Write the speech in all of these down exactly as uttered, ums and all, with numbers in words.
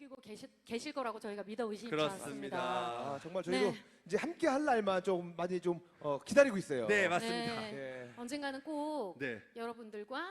느끼고 계시, 계실 거라고 저희가 믿어 의심치 그렇습니다. 않습니다. 아, 정말 저희도 네. 이제 함께 할 날만 좀 많이 좀 어, 기다리고 있어요. 네, 맞습니다. 네. 예. 언젠가는 꼭 네. 여러분들과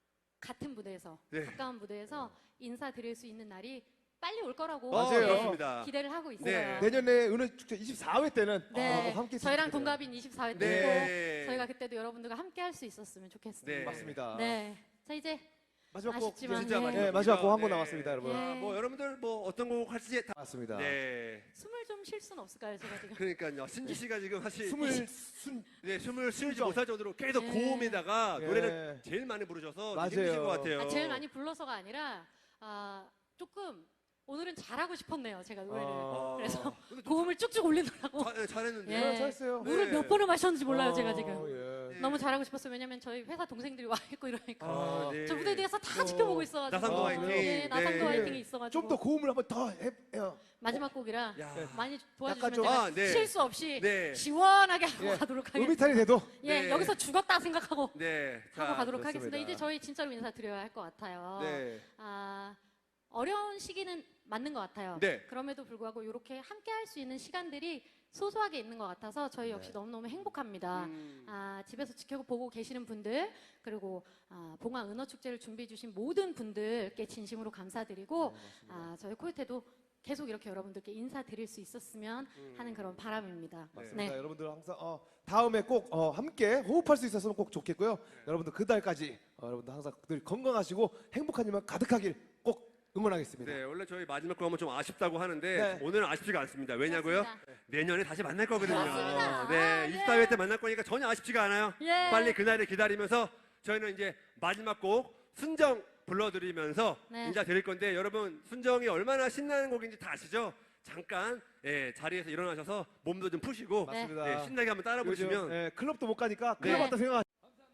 같은 무대에서 네. 가까운 무대에서 인사드릴 수 있는 날이 빨리 올 거라고 맞아요. 네, 그렇습니다. 기대를 하고 있어요. 네. 내년에 은하축제 이십사 회 때는 네, 어, 함께 저희랑 했으면 동갑인 이십사 회 네. 때고 네. 저희가 그때도 여러분들과 함께 할 수 있었으면 좋겠습니다. 네. 좋겠어요. 맞습니다. 네. 자 이제 마지막 곡 아쉽지만 진짜 네. 마지막 네, 마지막 곡 한 곡 네. 남았습니다, 여러분. 예. 아, 뭐 여러분들 뭐 어떤 곡 할지 다. 맞습니다. 네. 숨을 좀 쉴 수는 없을까요, 제가 지금? 그러니까요. 신지 씨가 지금 사실 숨을 이- 순 네, 숨을 쉬지 순정. 못할 정도로 계속 네. 고음에다가 예. 노래를 제일 많이 부르셔서 맞아요. 힘드신 것 같아요. 아, 제일 많이 불러서가 아니라 아, 조금 오늘은 잘하고 싶었네요, 제가 노래를. 아. 그래서 근데 좀 고음을 쭉쭉 올리느라고 자- 네, 잘했는데. 예. 네, 잘했어요. 물을 네. 몇 번을 마셨는지 몰라요, 어, 제가 지금. 예. 네. 너무 잘하고 싶었어요. 왜냐면 저희 회사 동생들이 와 있고 이러니까. 아, 네. 저 무대 뒤에서 다 어. 지켜보고 있어가지고. 나상도 아, 화이팅. 네, 나상도 네. 화이팅이 있어가지고. 좀 더 고음을 한번 더 해요. 마지막 곡이라 야. 많이 약간 도와주시면 좀- 제가 아, 네. 실수 없이 네. 시원하게 하고 예. 가도록 하겠습니다. 음이탈이 돼도 예, 네. 여기서 죽었다 생각하고 네. 하고 자, 가도록 좋습니다. 하겠습니다. 이제 저희 진짜로 인사드려야 할 것 같아요. 네. 아, 어려운 시기는 맞는 것 같아요. 네. 그럼에도 불구하고 이렇게 함께 할 수 있는 시간들이 소소하게 있는 것 같아서 저희 역시 네. 너무너무 행복합니다. 음. 아, 집에서 지켜보고 계시는 분들 그리고 아, 봉화 은어축제를 준비해 주신 모든 분들께 진심으로 감사드리고 네, 아, 저희 코요태도 계속 이렇게 여러분들께 인사드릴 수 있었으면 음. 하는 그런 바람입니다. 맞습니다. 네. 여러분들 항상 어, 다음에 꼭 어, 함께 호흡할 수 있었으면 꼭 좋겠고요. 여러분들 그 달까지 어, 여러분들 항상 늘 건강하시고 행복한 일만 가득하길 꼭 응원하겠습니다. 네, 원래 저희 마지막 곡 하면 좀 아쉽다고 하는데 네. 오늘은 아쉽지가 않습니다. 왜냐고요? 그렇습니다. 내년에 다시 만날 거거든요. 맞습니다. 네, 아, 이십사 회 때 만날 거니까 전혀 아쉽지가 않아요. 예. 빨리 그날을 기다리면서 저희는 이제 마지막 곡 순정 불러드리면서 네. 인사 드릴 건데 여러분 순정이 얼마나 신나는 곡인지 다 아시죠? 잠깐 예, 자리에서 일어나셔서 몸도 좀 푸시고 네. 맞습니다. 네, 신나게 한번 따라 요즘, 부르시면 예, 클럽도 못 가니까 클럽 네. 왔다 생각.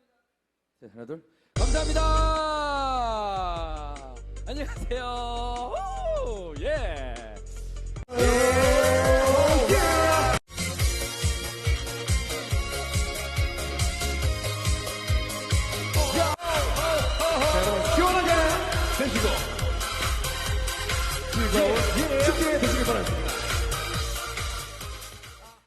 자, 하나 둘 감사합니다. 안녕하세요. 오, 예. 시원하게 되시고 즐거운 축제 되시길 바랍니다.